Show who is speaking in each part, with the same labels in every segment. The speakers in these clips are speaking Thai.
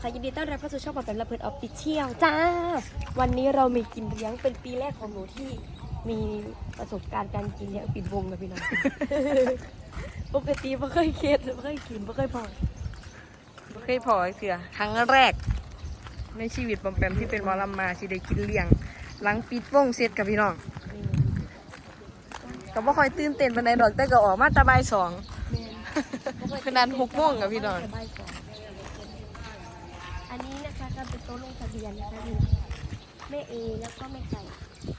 Speaker 1: ค่ะยินดีต้อนรับเข้าสู่ช่องปอมแปมและเพิร์ดออฟฟิเชียลจ้าวันนี้เรามีกินเลี้ยงเป็นปีแรกของหนูที่มีประสบการณ์การกินเลี้ยงปิดวงกับพี่น้อง ปกติไม่เคยเคสไม่เคยกินไม่เคยพอ
Speaker 2: เคยพอเสือครั้งแรกในชีวิตปอมแปมที่เป็นหมอลำมาที่ได้กินเลี้ยงหลังปิดวงเสร็จกับพี่น้องก็บ่ค่อยตื่นเต้นปานใดดอกแต่ก็ออกมาแตะบ่ายสองขนาด6 โมงกับพี่น้อง
Speaker 1: อันนี้นะคะก็เป็นโต๊ะลงทะเบียนนะคะมีแม่เอแล้วก็แม่ไก่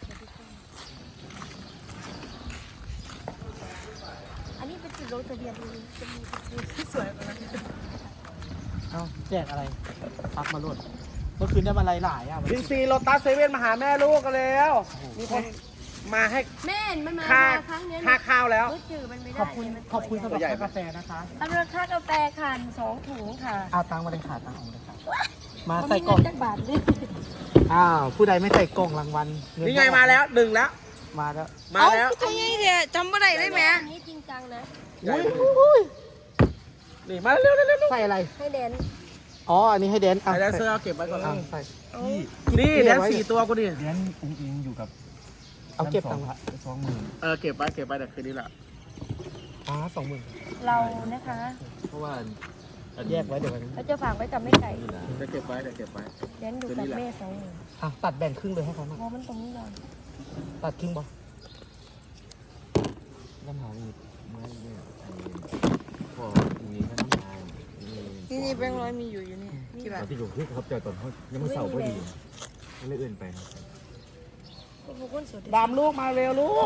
Speaker 1: อันนี้เป็นจุดลงทะเบียนจะมีจุดที่สวยกว่านั้น
Speaker 3: เอ้าแจกอะไรพักมาโหลดเมื่อคืนได้มาหลายๆอ่ะ
Speaker 4: บิ๊กซีโลตัสเซเว่นมาหาแม่ลูกกันแล้ว มีคนมาให้
Speaker 1: แม่มันมา
Speaker 4: ค่า
Speaker 1: ครั้งนี้
Speaker 4: ค่าข้าวแล้ว
Speaker 1: รู้จืดมันไม่ได้
Speaker 3: ขอบคุณสำหรับค่ากาแฟนะคะ
Speaker 1: ตำรวจค่ากาแฟคัน2 ถุงค่ะ
Speaker 3: เอาตังค์มาเลยค่ะตังค์เอามาเลยค่ะมา
Speaker 1: มัน
Speaker 3: ใส่
Speaker 1: มี
Speaker 3: กล่
Speaker 1: เงิ
Speaker 3: อง
Speaker 1: นจักบาทด้วย
Speaker 3: อ้าวผู้ใดไม่ใส่กล่องรางวัลเ
Speaker 4: นี่ไงมาแล้วหนึ่งแล้ว
Speaker 3: มาแล้ว
Speaker 4: มาแล้ว
Speaker 2: ตัวใหญ่เดียจำบ่ได้เลยแหม่
Speaker 1: อันนี้จริงจังนะ
Speaker 3: อุ้ย
Speaker 4: นี่มาเร็วเร็วเร็ว
Speaker 3: ใส่อะไร
Speaker 1: ให้แดน
Speaker 3: อ๋ออันนี้ให้แดน
Speaker 4: ไอ้แดนเซอร์เอาเก็บไว้ก่อน
Speaker 3: อ่ะใส่
Speaker 4: นี่แดน4 ตัวกูดิ
Speaker 5: เลี้ยงอุ้งอิงอยู่กับ
Speaker 3: เอาเก็บตังค์
Speaker 5: 20,000
Speaker 4: เก็บไว้แต่คืนนี้แหละ
Speaker 3: อ๋อ20,000
Speaker 1: เรานะคะ
Speaker 5: เพราะว่า
Speaker 3: แยกไว้เดี๋ยวไว้
Speaker 1: เราจะฝากไว้กับแม่ไก่
Speaker 4: จะเก็บไว้เก็บไว้
Speaker 1: แดนดูกับแม่2 มือ
Speaker 3: อ่ะตัดแบ่งครึ่งเลยให้เขามา
Speaker 1: เพราะมันตรงนี้ก่อน
Speaker 3: ตัดครึ่งบ่
Speaker 5: น้ำหาอีกไม้เนี่ยพออุ้งอิงก็น้ำหา
Speaker 2: นี่แบงค์ร้อยมีอยู่นี่กี่บา
Speaker 5: ต
Speaker 2: ท
Speaker 5: อนที่ผมขึ้นเขาจอดตอนเขายังไม่เสาร์พอดีก็เลยเอื่นไป
Speaker 1: พวกคนสด
Speaker 4: ดามลูกมาเร็วลูก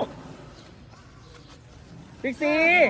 Speaker 4: บิ๊กซี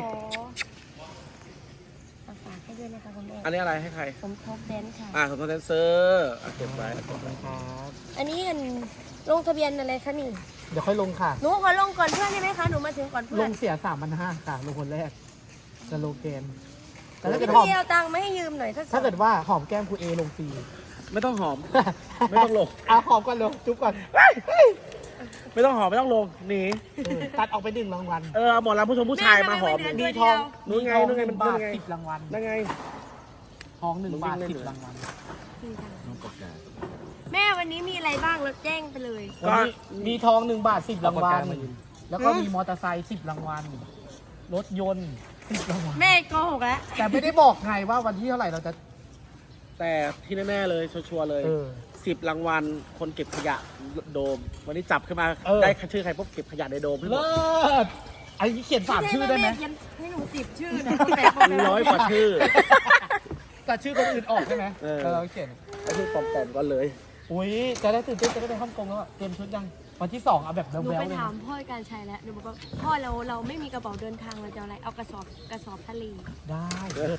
Speaker 1: ฝากให้ด้วยนะคะคุณแม่
Speaker 4: อันนี้อะไรให้ใคร
Speaker 1: สมทบแดนค่ะ
Speaker 4: สมทบแดนเซอร์เก็บไว้
Speaker 3: ขอบคุณครับ
Speaker 1: อันนี้ลงทะเบียนอะไรคะนี่
Speaker 3: เดี๋ยวค่อยลงค่ะ
Speaker 1: หนูขอลงก่อนเพื่อนได้ไหมคะหนูมาถึงก่อนเพื่
Speaker 3: ล
Speaker 1: อน
Speaker 3: งเสีย3,500ค่ะลงคนแรกสโลแกนแต่ถ้า
Speaker 1: พี่
Speaker 3: เกิดหอม
Speaker 1: เอาตังค์มาให้ยืมหน่อยถ้า
Speaker 3: เกิดว่าหอมแก้มครูเอลงฟรี
Speaker 4: ไม่ต้องหอม ไม่ต้องลง
Speaker 3: เอาหอมก่อนเร็วจุ๊บก่อน
Speaker 4: ไม่ต้องหอมไม่ต้องลงหนี
Speaker 3: ตัดออกไป1 รางวัล
Speaker 4: เอาหมอลำผู้ชมผู้ชายมาหอม
Speaker 3: มีทอง
Speaker 4: นู้นไงนู้นไงมัน
Speaker 3: บาท
Speaker 4: ไง
Speaker 3: 10 รางวัล
Speaker 4: นั่นไง
Speaker 3: ทอง1 บาท10 รางวัล
Speaker 5: น้องประกาศ
Speaker 1: แม่วันนี้มีอะไรบ้างเราแจ้งไปเลย
Speaker 3: วันนี้มีทอง1 บาท10 รางวัลแล้วก็มีมอเตอร์ไซค์10 รางวัลรถยนต์10 รางวัล
Speaker 1: แม่โกหกแล้ว
Speaker 3: แต่ไม่ได้บอกไงว่าวันที่เท่าไหร่เราจะ
Speaker 4: แต่ที่แน่ๆเลยชัวร์ๆเลย 10 รางวัลคนเก็บขยะโดม วันนี้จับขึ้นมาได้ชื่อใครปุ๊บเก็บขยะในโดมให้หม
Speaker 3: เลิ
Speaker 4: ด
Speaker 3: ศไอ้นี่เขียน3 ชื่อได้ไหม
Speaker 1: ให้หนู10 ชื่อนะ
Speaker 4: 100 กว่าชื่อ
Speaker 3: แต่ชื่อคนอื่นออกใช่ไหม เราเขียน
Speaker 4: ไอ้ชื่อปลอมๆก็เลย
Speaker 3: อุ้ยจะได้ตื่นเต้นจะได้ไปฮ่องกงแล้วอะเตรียมชุดยังวันที่ 2เอาแบบ
Speaker 1: หนู
Speaker 3: แบ๊ว
Speaker 1: ไป
Speaker 3: ๆเลย
Speaker 1: ถามพ่อการชัยแล้วหนูบอกว่าพ่อเราไม่มีกระเป๋าเดินทางเราจะอะไรเอากระสอบทะเล
Speaker 3: ได้เลิศ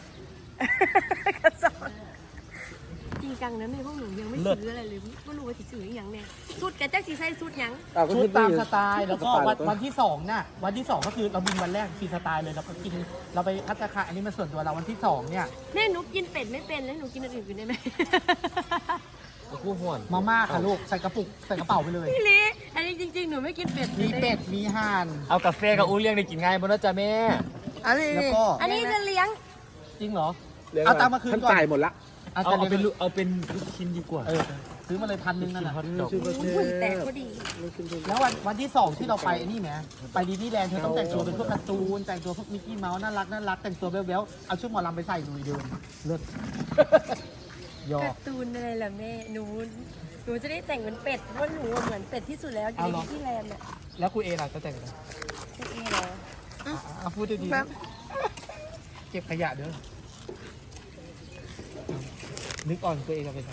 Speaker 1: จริงจังนะแม่พวกหนูยังไม่ซื้ออะไรเลยไม่รู้ว่าจะซื้ออย่างเนี่ยสุดแกแจ๊กสีใส่สุดยัง
Speaker 3: ชุดตามสไตล์แล้วก็วันที่2น่ะวันที่ 2 ก็คือเราบินวันแรกฟรีสไตล์เลยเราก็กินเราไปพัตตาคารอันนี้มันส่วนตัวเราวันที่ 2 เนี่ย
Speaker 1: แม่หนูกินเป็ดไม่เป็นแล้วหนูกินอันอื่นกินได้ไหม
Speaker 5: คู่ห่วน
Speaker 3: มาม่าค่ะลูกใส่กระปุกใส่กระเป๋าไปเลย
Speaker 1: พี่ลิอันนี้จริงๆหนูไม่กินเป็ด
Speaker 3: มีเป็ดมีห่าน
Speaker 5: เอากาแฟกับอุ้งเลี้ยงได้กินง่ายบนนั้นจ้ะแม่
Speaker 2: อันนี้
Speaker 3: แล้วก็
Speaker 1: อันนี้จะเลี้ยง
Speaker 3: จริงเหรอเอาตังค์มาคืนก่อน
Speaker 4: จ่ายหมดละ
Speaker 5: เอาเป็นลูกชิ้นดีกว่า
Speaker 3: ซื้อมาเลย1,000นั่นน่ะ
Speaker 1: อุ้ยแต่พอดี
Speaker 3: แล้ววันที่ 2 ที่เราไปนี่ไหมไปดิสนีย์แลนด์เธอต้องแต่งตัวเป็นพวกการ์ตูนแต่งตัวพวกมิกกี้เมาส์น่ารักแต่งตัวแบ๊วๆเอาชุดหมอลำไปใส่ลุยเดินเลิศยอ
Speaker 1: การ์ตูนอะไรล่ะแม่หนูจะได้แต่งเป็นเป็ดเพราะหนูเหมือนเป็ดที่สุดแล้วอยู่ในที่แลนด์อ่ะ
Speaker 3: แล้วคุณเอล่ะจะแต่งอะไร
Speaker 1: พี่เอเหรอ
Speaker 3: เอาพูดดีๆเก็บขยะเด้อนึกอ่อนตัวเองกันไปทำ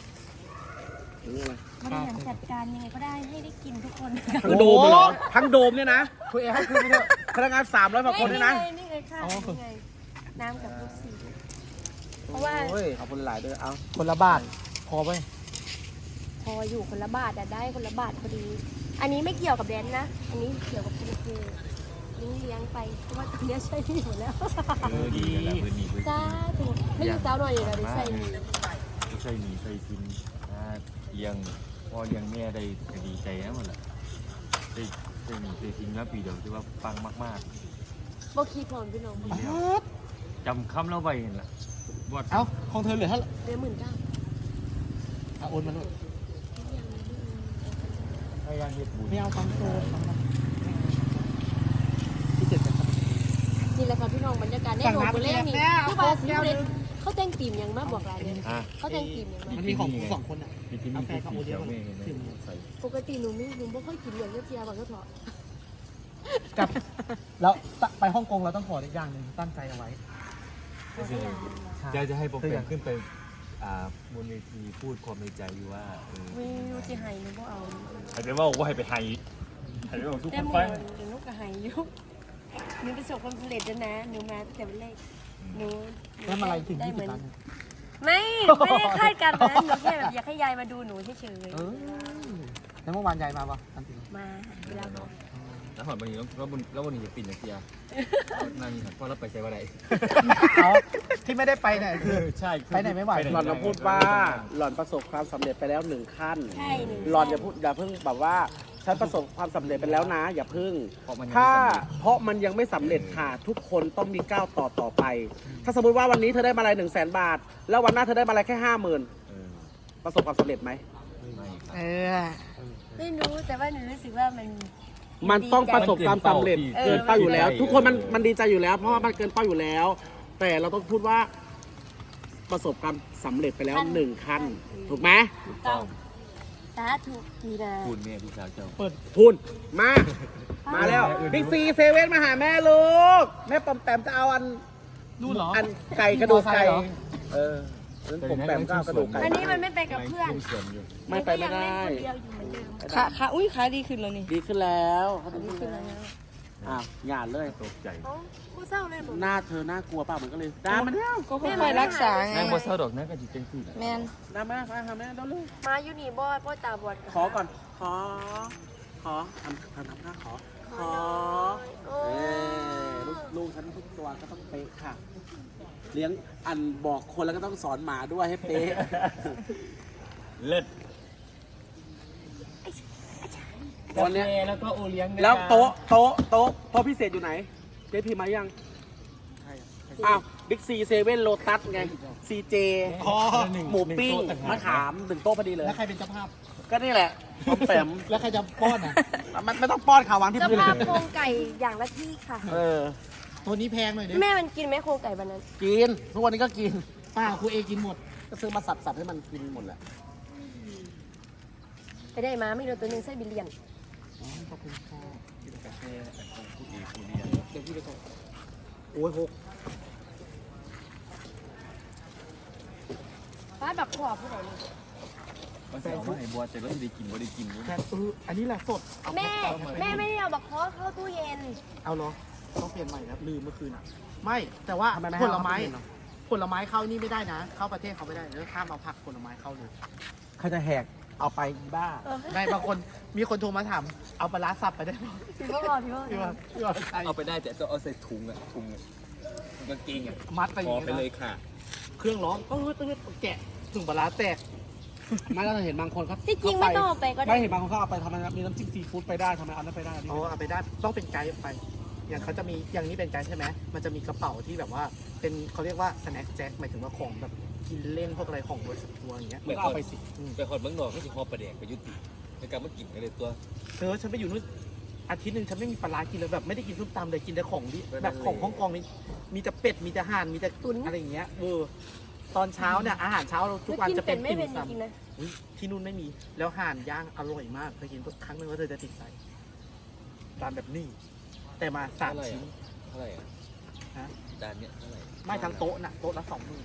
Speaker 1: บริหารจัดการยังไงก็ได้ให้ได้กินทุกคน
Speaker 4: ทั้งโดมเหรอ ทั้งโดมเนี่ยนะ
Speaker 3: คุณเอให้คืนไปเถอะ
Speaker 4: พนักงาน300 กว่าคนเนี่ยนะ
Speaker 1: นี่ไงค่ะนี่ไงน้ำกับลูกสีเพราะว่า
Speaker 4: โอ้ยขอบคุณหลายด้วยเอา
Speaker 3: คนละบาทพอไป
Speaker 1: พออยู่คนละบาทอะได้คนละบาทพอดี อันนี้ไม่เกี่ยวกับแดนนะ อันนี้เกี่ยวกับคุณครูเลี้ยงไปเพราะว่าตอนนี้ใช้ที่หมดแล้ว
Speaker 5: ดีแล้วพื้นนี้
Speaker 1: จ้าถูกไม่อยู่สาวหน่อยเลยนะได้ใช้นี่
Speaker 5: ไม่ใช่หนีใส่ซินเลี้ยงพ่อเลี้ยงแม่ได้ดีใจนะมันแหละได้หนีใส่ซินแล้วปีเดียวที่ว่าปังมาก
Speaker 1: บ่คิดพร้อมพี่น้อง
Speaker 5: ๆจำคำเราไว้เห็นละ
Speaker 3: เอ้าของเธอเหลือเท่าไหร่
Speaker 1: เดือน19,000
Speaker 3: โอนมาลูก
Speaker 5: พยายามเฮ็ดบุญ
Speaker 3: ไม่เอาฟังโซนฟังนะที่เจ็ดกันครับ
Speaker 1: นี่แหละค่ะพี่น้องบรรยากาศในโรงบุเล่นี่คือว่าสิเล่นเขาแต่งตีมยังมาบอกอะไรเนี่ย
Speaker 5: อ่ะ
Speaker 1: เขาแต่งตีมยังมา
Speaker 3: มันมีของสองคนอ่ะ
Speaker 5: มีที่นี่ที่สีเขียวไม่เห็นไหมใส่
Speaker 1: ปกติหนูไม่ค่อยกินอย่างเทียบก่อนก็เถอะ
Speaker 3: กับแล้วไปฮ่องกงเราต้องขออีกอย่างหนึ่งตั้งใจเอาไว้
Speaker 5: จะให้ผมเป็นขึ้นไปบนเวทีพูดความในใจอยู่ว่า
Speaker 1: ไม่รู้จะให้หนูบ่เอา
Speaker 5: อาจจะว่าให้ไปไฮให้ไปบอกทุก
Speaker 1: แต่
Speaker 5: คน
Speaker 1: หม
Speaker 5: ฟัง
Speaker 1: เดี๋ยวหนูก็ให้อยู่หนูประสบความสำเร็จแล้วนะหนูมาตั้งแต่วันแรกหนู
Speaker 3: แล้วอะไรถึง
Speaker 1: ได้
Speaker 3: 20
Speaker 1: เหมือน
Speaker 3: ล้าน
Speaker 1: ไม่ได้คาดการณ์นะหนูแค่แบบอยากให้ยายมาดูหนูเฉย
Speaker 3: เออแล้วเมื่อวานยายมาปะทันที
Speaker 1: ๆมาเวลาก่อน
Speaker 5: แล้วหอดวันนี้แล้ววันนี้จะปิดนะเสียนั่งนี่ครับเพราะเราไปใช้ว่าไร
Speaker 3: เอาที่ไม่ได้ไปเนี่ยคือ
Speaker 5: ใช่
Speaker 3: ไปไหนไม่ไหว
Speaker 4: หล่อนมาพูดว่าหล่อนประสบความสำเร็จไปแล้ว1 ขั้น
Speaker 1: ใช่หนู
Speaker 4: หล่อนอย่าพูดอย่าเพิ่งแบบว่าฉันประสบความสำเร็จไปแล้วนะ อย่าเพิ่ง
Speaker 5: เพราะมัน
Speaker 4: เพราะมันยังไม่สำเร็จค่ะ ทุกคนต้องมีก้าวต่อไป ถ้าสมมติว่าวันนี้เธอได้มาอะไร100,000 บาท แล้ววันหน้าเธอได้มาอะไรแค่ 50,000 ประสบความสำเร็จไหม
Speaker 5: ไม่ครับ
Speaker 2: เออ
Speaker 1: ไม่รู้แต่ว่าหนูรู้สึกว่ามัน
Speaker 4: มันต้องประสบความสำเร็จ
Speaker 1: เออ
Speaker 4: เกินเป้าอยู่แล้ว ทุกคนมันดีใจอยู่แล้ว เพราะว่ามันเกินเป้าอยู่แล้ว แต่เราต้องพูดว่าประสบความสำเร็จไปแล้ว1 ขั้น ถูกไหม
Speaker 1: ต้องสาธุดีนะ
Speaker 5: พูดแม่พี่สาวเจ้า
Speaker 4: พูนมาแล้วบิ๊กซีเซเว่นมาหาแม่ลูกแม่ปอมแปมจะเอา
Speaker 3: นู่นเหรอ
Speaker 4: อันไก่กระดูกไก่
Speaker 3: เหรอ
Speaker 4: เออนั้นผมแปมก็เอากระดูกไก่
Speaker 1: อันนี้มันไม่ไปกับเพื่อน
Speaker 5: สวนอยู่
Speaker 4: ไม่ไปไม่ได้
Speaker 1: หนูก็ยังเล่นคนเดียวอยู่เหมือนเดิม
Speaker 2: ขาอุ้ยขาดีขึ้นแล้วนี่
Speaker 4: ดีขึ้นแล้วเขาดี
Speaker 1: นี่
Speaker 4: ขึ้
Speaker 1: คื
Speaker 4: น
Speaker 1: ออะไร
Speaker 4: แล้ว
Speaker 1: นะ
Speaker 4: อ้าวหยาดเลย
Speaker 5: ตกใจ
Speaker 1: เอ้ากูเศร้าเลยผม
Speaker 4: หน้าเธอน่ากลัวเปล่าเหมือนกันเลยดามาเนี่ย
Speaker 2: ก็ค่อยๆรักษาไง
Speaker 5: นางบัวเศร้าดอกนั่นก็จิตเต็มที่แหละ
Speaker 2: แมน
Speaker 4: ดามาหาแม่เดี๋ยวเลย
Speaker 1: มาอยู่นี่บ่พ่อตาบอด
Speaker 4: ขอก่อนขอทำหน้าขอ
Speaker 1: โอ้
Speaker 4: เอ้ลูกฉันทุกตัวก็ต้องเป๊ะค่ะ เลี้ยงอันบอกคนแล้วก็ต้องสอนหมาด้วยให้เป๊ะ
Speaker 5: เลิศ
Speaker 4: วันเนี้ย
Speaker 5: แล้วก็โอเลี้ยง
Speaker 4: แล้วโต๊ะพิเศษอยู่ไหนเจ๊พีมายังอ้าวบิ๊กซีเซเว่นโลตัสไงซีเจ
Speaker 3: อ๋อ
Speaker 4: หมูปิ้งมะขาม1 โต๊ะพอดีเลย
Speaker 3: แล้วใครเป็นเจ้าภาพ
Speaker 4: ก็นี่แหละพอมแปม
Speaker 3: แล้วใครจะป้อนอ่ะ
Speaker 4: มันไม่ต้องป้อนข่าววางที่
Speaker 1: เจ้า
Speaker 4: พื้น
Speaker 1: ภาพโครงไก่อย่างละที่ค่ะ
Speaker 4: เออ
Speaker 3: ตัวนี้แพงหน่อยดิ
Speaker 1: แม่มันกินไหมโครงไก่วันนั้น
Speaker 4: กินทุกวันนี้ก็กิน
Speaker 3: ป้าครูเอกินหมด
Speaker 4: ก็ซื้อมาสับให้มันกินหมดแหละ
Speaker 1: ไปได้มาไม่โดนตัวหนึงไส้บิลเลียน
Speaker 3: ขอบคุณค่ะ
Speaker 5: กาแฟผู้ดีผู้เรียน
Speaker 3: เดี๋ยวพี่ไปส่งโอ้ย6
Speaker 1: ฟ้าแบบขอบผู้ใดเลย
Speaker 5: มันใส่ข้าวไหนบัวแต่ก็ไม่ได้กินนี่
Speaker 3: แต่อันนี้แหละสดเอา
Speaker 1: แม่ไม่ได้เอาบักคอเข้าตู้เย็น
Speaker 3: เอาเหรอต้องเปลี่ยนใหม่นะลืมเมื่อคืนอ่ะ ไม่แต่ว่า
Speaker 4: ทำไมไม่
Speaker 3: ผ
Speaker 4: ให้
Speaker 3: ล
Speaker 4: เอา
Speaker 3: ไม้
Speaker 4: เข้าตู้เย็นเหรอ
Speaker 3: ผลไม้เข้านี่ไม่ได้นะ เข้าประเทศเขาไม่ได้แล้วห้ามเอาผักผลไม้เข้าเลย
Speaker 4: เขาจะแหกเอาไปบ้า
Speaker 3: ได้บางคนมีคนโทรมาถามเอาปลาร้าสับไปได้ไหม
Speaker 1: พี่พ่อบอกพี่พ่อ
Speaker 3: พี่ว่าพี่ว่าใช่
Speaker 5: เอาไปได้แต่ต้องเอาใส่ถุงกางเกง
Speaker 3: มัดไปอ
Speaker 5: พอย่าง
Speaker 3: นี้
Speaker 5: ไปเลยค่ะ
Speaker 3: เครื่องร้อนตื้อแกะถึงปลาร้าแตก
Speaker 4: ไม่แล้วเราเห็นบางคนเขา
Speaker 1: ที่จริงไม่ต้องเอาไปก็ได้
Speaker 4: ไม่เห็นบางคนเขาเอาไปทำไมมีน้ำจิ้มซีฟู้ดไปได้ทำไมเอานั้นไปได้
Speaker 3: อ๋อเอาไปได้ต้องเป็นไกด์ไป อย่างเขาจะมีอย่างนี้เป็นไกด์ใช่ไหมมันจะมีกระเป๋าที่แบบว่าเป็นเขาเรียกว่าสแน็คแจ็คหมายถึงว่าของแบบกินเล่นพวกอะไรของบริษัททัวร์อย่างเงี้ย
Speaker 5: เหมือน
Speaker 3: ก็เอาไปสิ
Speaker 5: ไปหอดเมืองนอกก็จะหอบประแดกไปยุติในการมากินกันเลยตัว
Speaker 3: เธอฉันไปอยู่นู่นอาทิตย์หนึ่งฉันไม่มีปลาร้ากินเลยแบบไม่ได้กินส้มตำเลยกินแต่ของดิแบบของฮ่องกงนี่มีแต่เป็ดมีแต่ห่านมีแต่ตุ๋นอะไรอย่างเงี้ยตอนเช้าเนี่ยอาหารเช้าเราทุกวัน
Speaker 1: กิน
Speaker 3: จะ
Speaker 1: เป็
Speaker 3: เป็น น
Speaker 1: ไม่
Speaker 3: ติ่ม
Speaker 1: เป็นจ
Speaker 3: ซำ
Speaker 1: ริงๆนะ
Speaker 3: อุ๊ยที่นู่นไม่มีแล้วห่านย่างอร่อยมากเคยกินครั้งหนึงแล้วเธอจะติดใจตามแบบนี้แต่มา3 ชิ้น
Speaker 5: เท่าไหร่อ่ะ
Speaker 3: ฮะ
Speaker 5: จานเนี้ยเท่าไหร่
Speaker 3: ไม่ทั้งโต๊ะนะโต๊ะละ20,000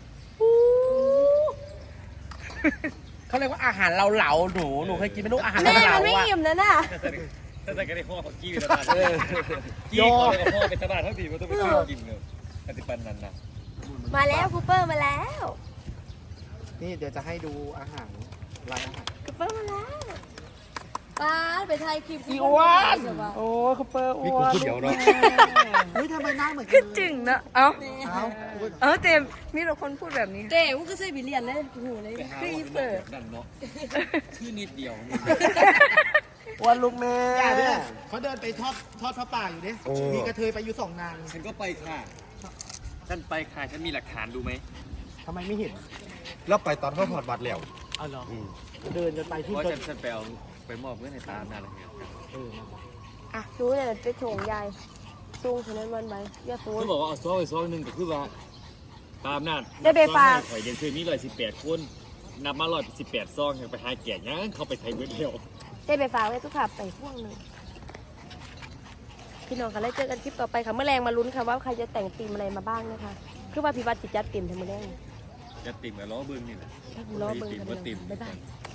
Speaker 4: เขาเรียกว่าอาหารเราเหลาหนูเคยกินไหมลูกอาหาร
Speaker 1: แม่
Speaker 4: เราเหลา
Speaker 1: มันไม่
Speaker 4: อ่ะ
Speaker 1: อิ่มนะน่ะ
Speaker 5: ถ้าแต่ก็ได้ข้อของกี้เป็นตลาดกี้ขอเลยพ่อเป็นตลาดเท่าทีมันต้องไปซื้อกินเลยปฏิปันนั้นนะ
Speaker 1: มาแล้วคูเปอร์มาแล้ว
Speaker 3: นี่เดี๋ยวจะให้ดูอาหารรายอาหาร
Speaker 1: คูเปอร์มาแล้วป้าไปถ่ายคลิป
Speaker 4: อีอ้วนโอ้เขาเปอร์อ้
Speaker 5: มี
Speaker 4: ว
Speaker 5: คน
Speaker 4: น
Speaker 5: พูดเดี๋ยวเนาะ
Speaker 3: เฮ้ยทำไมหน้าเหมือนกั
Speaker 2: ก็
Speaker 3: น
Speaker 2: จึงนะเอ้า
Speaker 3: เอ้า
Speaker 2: เจมส์มีแต่คนพูดแบบนี้
Speaker 1: เก๋มันก็ใส่บิลเลียนเลยโอ้โหเลย
Speaker 5: ครีเปิดนั่นเนาะชื่อนิดเดียว
Speaker 4: อ้วนลูกแม่
Speaker 3: อย่าด้วยเขาเดินไปทอดพระป่าอยู่ดิมีกระเทยไปอยู่2 นาง
Speaker 5: ฉันก็ไปค่ะฉันไปค่ะฉันมีหลักฐานดูไหม
Speaker 3: ทำไมไม่เห็น
Speaker 6: แล้วไปตอนเขาถอดบัตรแล้ว
Speaker 3: เอาเหรอเดินกันไปที่
Speaker 5: เพราะ
Speaker 3: เดิน
Speaker 5: ฉันไปเอาไปมอบเพื่อนในตามนั่นแหละครับ
Speaker 1: อ่ะรู้เนี่ยไปโถงยายซุงฉะนั้นวันไหมอย่าซู
Speaker 5: เขาบอกว่าเอาซองไปซองหนึ่งก็คือว่าตามนั่น
Speaker 1: ได้ไปฝาก
Speaker 5: ข่อยเดนเซอร์มี118 คนนับมา118ซองยังไปหาแก่ยังเขาไปใช้เบิร์ดเดียว
Speaker 1: ได้ไปฝากไว้ทุกขับไปพ่วงหนึ่งพี่น้องกันแล้วเจอกันคลิปต่อไปค่ะเมื่อแรงมาลุ้นค่ะว่าใครจะแต่งธีมอะไรมาบ้างนะคะคือว่าพี่วัดสิจัดเต็มทั้งหมดแรง
Speaker 5: จะติ่มกับล้อเบิ้งนี่แหละ
Speaker 1: ถ้าคุณรอเบิ่งกัน
Speaker 5: ว่าติ่ม
Speaker 1: บ๊ายบาย
Speaker 5: เ